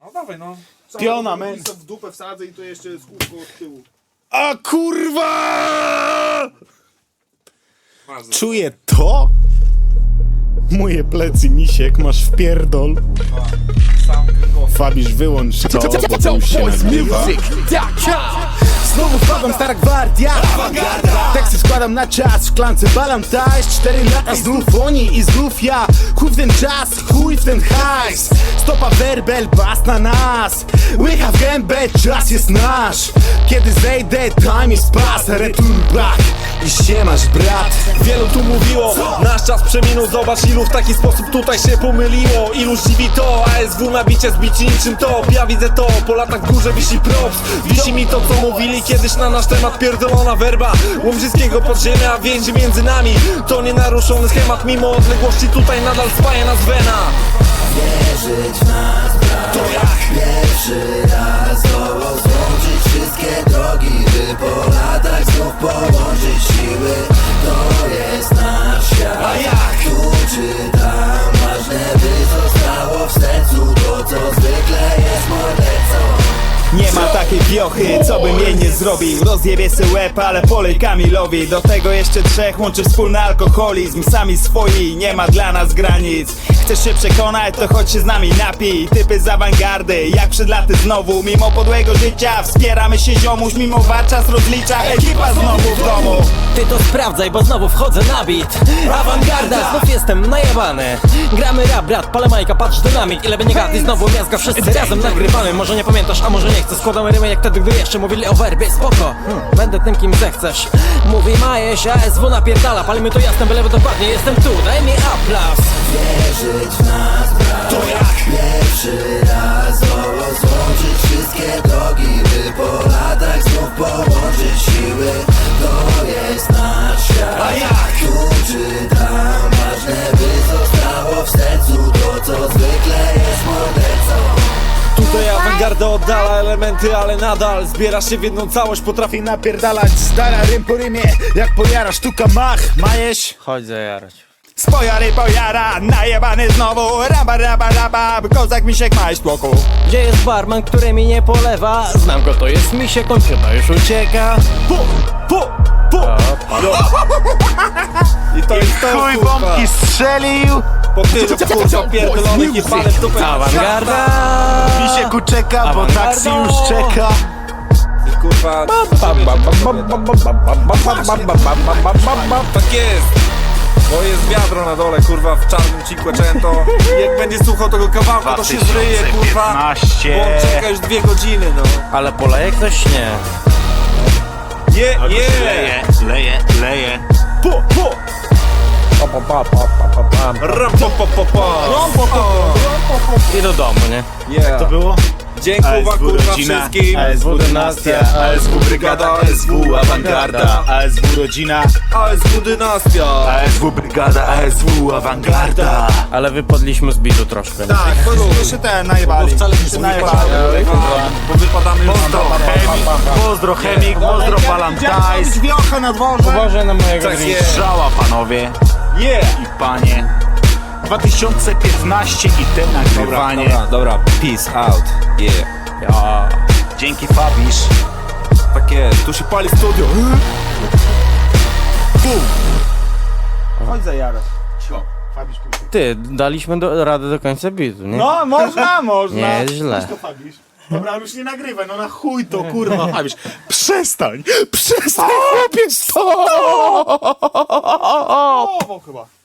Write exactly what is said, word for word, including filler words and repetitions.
No dawaj, no. Piona, men. I w dupę wsadzę i to jeszcze z kółko od tyłu. A kurwa! Masz za- Czuję to? Moje plecy, misiek, masz wpierdol. Sam kręgosłup. Fabisz, wyłącz to, bo to już się nagrywa. Znowu wpadam stara gwardia. Teksty składam na czas, w szklance balam taś. Cztery lata znów oni i znów ja. Chuj w ten czas, chuj w ten hajs. Stopa werbel, bas na nas. Łycha w gębę, czas jest nasz. Kiedy zejdę, time is pass. Return back i siemasz brat. Wielu tu mówiło, nasz czas przeminął. Zobacz ilu w taki sposób tutaj się pomyliło. Ilu dziwi to, A S W na bicie zbici niczym to. Ja widzę to, po latach w górze wisi props. Wisi mi to co mówili kiedyś na nasz temat. Pierdolona werba łomżyckiego podziemia. Więzi między nami, to nienaruszony schemat. Mimo odległości tutaj nadal spaja nas wena. Wierzyć w nas, brat. To jak pierwszy raz zdołał złączyć wszystkie drogi, by po latach znów połączyć siły. To jest nasz świat. A jak? Tu czy tam, ważne by zostało w sercu to, co zwykle jest mordercą. Nie ma takiej piochy, co bym jej nie zrobił. Rozjebie se łeb, ale polej Kamilowi. Do tego jeszcze trzech łączy wspólny alkoholizm. Sami swoi, nie ma dla nas granic. Chcesz się przekonać, to chodź się z nami napij. Typy z awangardy, jak przed laty znowu. Mimo podłego życia, wspieramy się ziomuś. Mimo walczas rozlicza, ekipa znowu w domu. Ty to sprawdzaj, bo znowu wchodzę na beat. Awangarda, znów jestem najebany. Gramy rap, brat, palę majka, patrz dynamik. Ile by nie gadli, znowu miazga, wszyscy razem nagrywamy. Może nie pamiętasz, a może nie chcesz. Składamy rymy jak wtedy, gdy jeszcze mówili o werbie. Spoko, hmm, będę tym kim zechcesz. Mówi Majeś, A S W napierdala. Palimy to jasne, byle dokładnie, jestem tu, daj mi aplauz. Wierzyć w nas, brat. To jak? Pierwszy raz zdołał złączyć wszystkie drogi, by po latach znów połączyć siły. To jest nasz świat. A jak? Tu czy tam, ważne by zostało w sercu to, co zwykle jest mordercą. Tutaj awangarda oddala elementy, ale nadal zbiera się w jedną całość. Potrafi I napierdalać stara rym po rymie. Jak pojara sztuka mach, majeś. Chodź zajarać. Spojary pojara, najebany znowu. Raba, raba, raba, kozak misiek ma tłoku. Gdzie jest barman, który mi nie polewa? Znam go, to jest misie, kończyna już ucieka. pu, pu, pu. I to jest to, Chuj kurwa. bombki strzelił. Po tylu kurwa pierdolonych i palę w dupę. Awangarda. Misieku czeka, bo taksi już czeka. I kurwa. Tak jest. Bo jest wiadro na dole, kurwa, w czarnym Cinquecento. I jak będzie słuchał tego kawałka, to się zryje, kurwa. Bo on czeka już dwie godziny, no. Ale poleje ktoś? Nie. Je, je. Leje, leje, leje. Pu, pu. Ram, po, po, po, po. I do domu, nie? Yeah. To było? Dziękuję kurwa wszystkim. A S W dynastia, A S W brygada, A S W awangarda, A S W rodzina, A S W dynastia. A S W brygada, A S W awangarda. Ale wypadliśmy z bitu troszkę. Tak, bo jeszcze ten najebali. Wcale nie najebali. Bo wypadamy już Pozdro, chemik, pozdro, chemik, pozdro, palantajs. Wiocha na dworze. Uważaj na mojego Tak drinka. jest. Strzała, panowie Yeah. i panie. dwa tysiące piętnaście i te nagrywanie. Dobra, dobra, peace out. Yeah. Ja. Dzięki Fabisz. Tak jest, tu się pali studio. Chodź zajarać. Cio, Fabisz pójdzie. Ty, daliśmy do, radę do końca bitu, nie? No, można, można. Nie jest źle. Chodź to Fabisz. Dobra, już nie nagrywaj, no na chuj to, kurwa, Fabisz. Przestań, przestań, chłopiec, to! O, chyba.